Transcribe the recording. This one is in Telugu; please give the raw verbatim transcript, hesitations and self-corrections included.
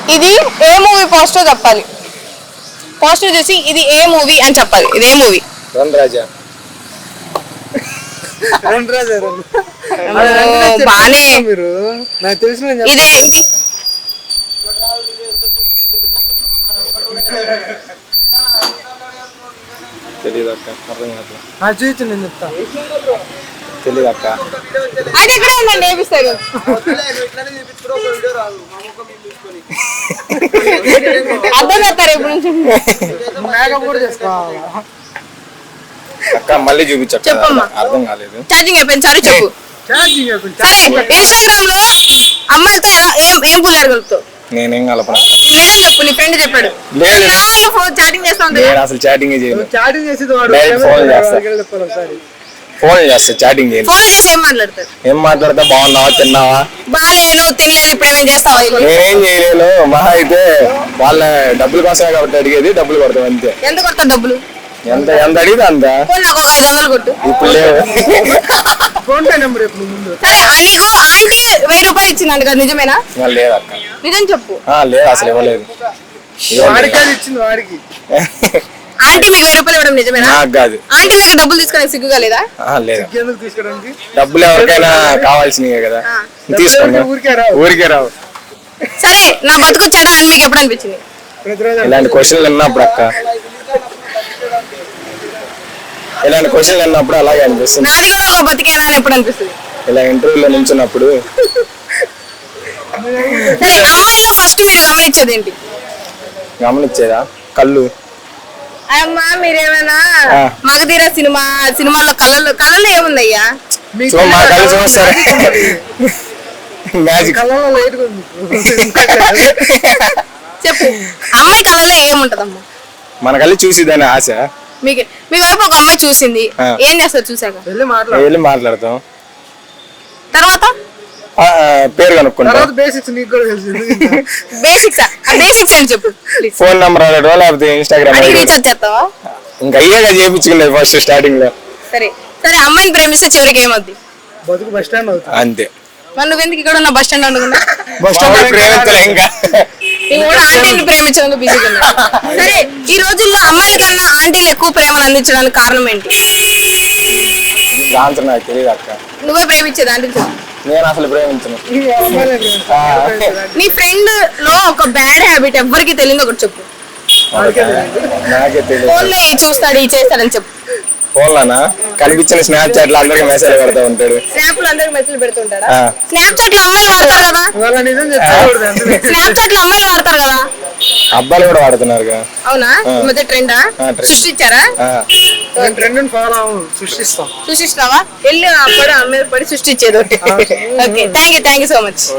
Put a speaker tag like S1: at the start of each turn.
S1: ఇది ఏ మూవీ పోస్టర్ చెప్పాలి. పోస్టర్ చూసి ఇది ఏ మూవీ అని చెప్పాలి. ఇది ఏ movie?
S2: Run Raja.
S3: Run Raja.
S1: బానే
S3: మీరు నాకు తెలిసిన
S1: ఇదే
S2: తెలియదు అక్క, అర్థం కాదు.
S3: చూపించు, నేను చెప్తా.
S2: తెలియదు అక్క.
S1: అది ఎక్కడ ఉందండి ఏపిస్తారు. అర్థం చేస్తారు ఎప్పుడు నుంచి
S3: మేకప్ కూడా చేసుకోవాలి
S2: అక్క. మళ్ళీ చూపించక్క, అర్థం కాలేదు.
S1: ఛార్జింగ్ అయిపోయింది. సారీ చెప్పు. సరే ఇన్స్టాగ్రామ్ లో అమ్మాయిలతో ఎలా ఏం ఏం పుల్లాడగలుగుతావు?
S2: నేనేం కలపను.
S1: నిజం చెప్పు. నీ ఫ్రెండ్ చెప్పాడు చాటింగ్ చేస్తా ఉంటా.
S2: నేను అసలు చాటింగ్ చేయను.
S3: చాటింగ్ చేసేది వాడు.
S2: ఫోన్ చేస్తా, ఫోన్ చేస్తా, చాటింగ్ చేయను.
S1: ఫోన్ చేసి ఏం మాట్లాడతారు?
S2: ఏం మాట్లాడతా? బాగున్నావా, తిన్నావా?
S1: బాగాలేను, తినలేదు, ఇప్పుడు ఏమేం చేస్తావా?
S2: నేనేం చేయలేను. మహా అయితే వాళ్ళ డబ్బుల కోసమే కాబట్టి అడిగేది, డబ్బులు కొడతాం అంతే.
S1: ఎంత కొడతావు డబ్బులు?
S2: ఎంత ఎంత అడిగితే అంత.
S1: నాకు ఒక ఐదు వందలు కొట్టు.
S2: ఇప్పుడు లేవు.
S3: ఫోన్ పే నెంబర్ ఎప్పుడు ముందు.
S1: సరే నీకు ఆంటీ వెయ్యి రూపాయలు ఇచ్చిందంట కదా, నిజమేనా?
S2: లేదు అక్క,
S1: నిజం చెప్పు.
S2: లేదు అసలు ఇవ్వలేదు.
S3: వాడికి ఇచ్చింది వాడికి.
S1: ఆంటీ మీకు వెయ్యి రూపాయలు ఇవ్వడం నిజమేనా?
S2: నాకు కాదు.
S1: ఆంటీ దగ్గర డబ్బులు తీసుకోవడానికి సిగ్గుగా లేదా?
S2: లేదు.
S3: ఎందుకు తీసుకోవడానికి?
S2: డబ్బులు ఎవరికైనా కావాల్సినవే కదా, తీసుకోండి. ఊరికే రావు.
S1: సరే నా బతుకొచ్చాడా అని మీకు ఎప్పుడు అనిపించింది?
S2: ఇలాంటి క్వశ్చన్లు విన్నప్పుడు అక్క, ఇలాంటి క్వశ్చన్లు విన్నప్పుడు అలాగే అనిపిస్తుంది.
S1: నాది కూడా ఒక బతికేనా అని ఎప్పుడు అనిపిస్తుంది?
S2: ఇలా ఇంటర్వ్యూలో నిల్చున్నప్పుడు.
S1: సరే అమ్మాయిలో ఫస్ట్ మీరు గమనించేది ఏంటి?
S2: గమనించేదా? కళ్ళు.
S1: అమ్మా మీరేమైనా మగధీర సినిమా సినిమాల్లో కళ్ళల్లో కళ్ళల్లో ఏముందయ్యా?
S2: మా కళ్ళు చూస్తారు. మ్యాజిక్.
S1: చెప్పు, అమ్మాయి కళ్ళల్లో ఏముంటదమ్మా?
S2: మన కళ్ళు చూసిదని ఆశ.
S1: మీకు మీ వైపు ఒక అమ్మాయి చూసింది, ఏం చేస్తారు చూసాక?
S2: వెళ్ళి మాట్లాడతాం.
S1: తర్వాత
S2: పేరు కనుక్కుంటాం.
S3: బేసిక్స్ నీకు కూడా తెలుసు.
S1: బేసిక్స్ బేసిక్స్ అని చెప్పు.
S2: ఫోన్ నెంబర్ అడగడం, లేకపోతే ఇన్స్టాగ్రామ్
S1: రీఛార్జ్ చేస్తావా?
S2: ఇంకా అయ్యేగా చేయించుకునేది ఫస్ట్ స్టార్టింగ్ లో.
S1: సరే సరే అమ్మాయిని ప్రేమిస్తే చివరికి ఏమవుద్ది?
S3: బతుకు బస్ స్టాండ్ అవుతుంది
S2: అంతే.
S1: మరి నువ్వెందుకు ఇక్కడ ఉన్న బస్ స్టాండ్ అనుకున్నా?
S2: బస్ స్టాండ్ ప్రేమించలే ఇంకా.
S1: నువ్వు కూడా ఆంటీని ప్రేమించడానికి బిజీగా ఉన్నా. సరే ఈ రోజుల్లో అమ్మాయిల కన్నా ఆంటీలు ఎక్కువ ప్రేమను అందించడానికి కారణం ఏంటి?
S2: ఆన్సర్ నాకు తెలియదు అక్క.
S1: నువ్వే ప్రేమించేది ఆంటీలు?
S2: నేను అసలు ప్రేమించను.
S1: నీ ఫ్రెండ్ లో ఒక బ్యాడ్ హ్యాబిట్ ఎవరికి తెలియదు ఒకటి చెప్పు.
S2: నాకే తెలియదు.
S1: ఫోన్లో ఈ చూస్తాడు ఈ చేస్తాడని చెప్పు.
S2: ఫోన్లోనా? కనిపించిన స్నాప్ చాట్ లో అందరికి మెసేజ్ పెడతా ఉంటాడు.
S1: స్నాప్ లో అందరికి మెసేజ్ పెడుతుంటాడా? స్నాప్ చాట్ లో అమ్మాయిలు వాడతారు కదా. స్నాప్ చాట్ లో అమ్మాయిలు వాడతారు కదా.
S2: అబ్బాయిలు కూడా వాడుతున్నారు.
S1: అవునా? ఈ మధ్య ట్రెండా? సృష్టించారా?
S3: Trend follow సృష్టిస్తాం.
S1: సృష్టిస్తావా? వెళ్ళి అప్పుడు అమ్మాయి పడి సృష్టించేది. Okay thank you thank you so much.